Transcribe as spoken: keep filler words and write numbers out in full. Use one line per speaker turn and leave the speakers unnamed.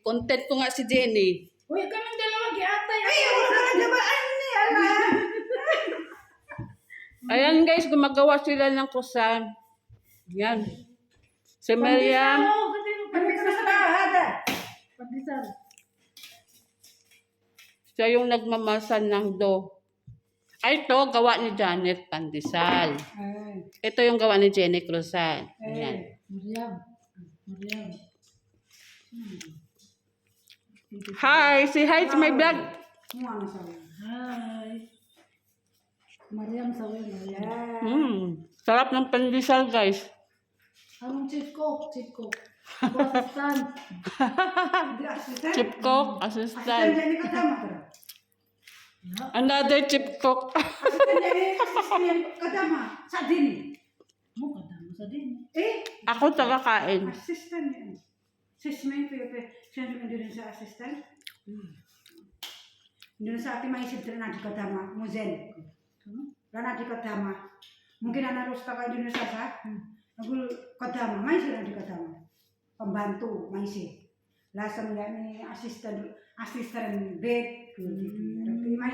Content ko nga si Jenny.
Uy, kami dalawa giatay.
Ay, wala na ba? Ano ni ala?
Ayan guys, gumagawa sila ng kusan. Yan. Si Miriam.
Oh, sabi mo,
Kami ka na sa lahada.
pandesal.
Siya yung nagmamasan ng do. Ay, ito, gawa ni Janet Pandesal.
Ay,
Ito yung gawa ni Jenny Cruzan. Ayan.
ay.
Mariam. Mariam.
Hi! Say hi to my vlog.
Ano sa mga?
Hi. Mariam sa way, Mariam.
Ay.
Hmm. Sarap ng pandesal, guys.
Anong chief cook? Chief cook. Assistant.
Hindi assistant.
Chip cook,
Assistant
assistant.
dyan ni Kadama. tara.
Another chip cook.
Assistant dyan ni assistant dyan ni Kadama. Sa din.
Mo kadamo sa din.
Eh,
Ako tagakain.
assistant yan. Sis may pepe. Siya naman din sa assistant. Doon sa ating maisip din na di Kadama. Muzen. Lana di Kadama. Mungkin anak rosta kayo din sa sa. Nagul Kadama. May sila di Kadama. Pembantu maisi. Lasam ya ni asisten asisten bed. May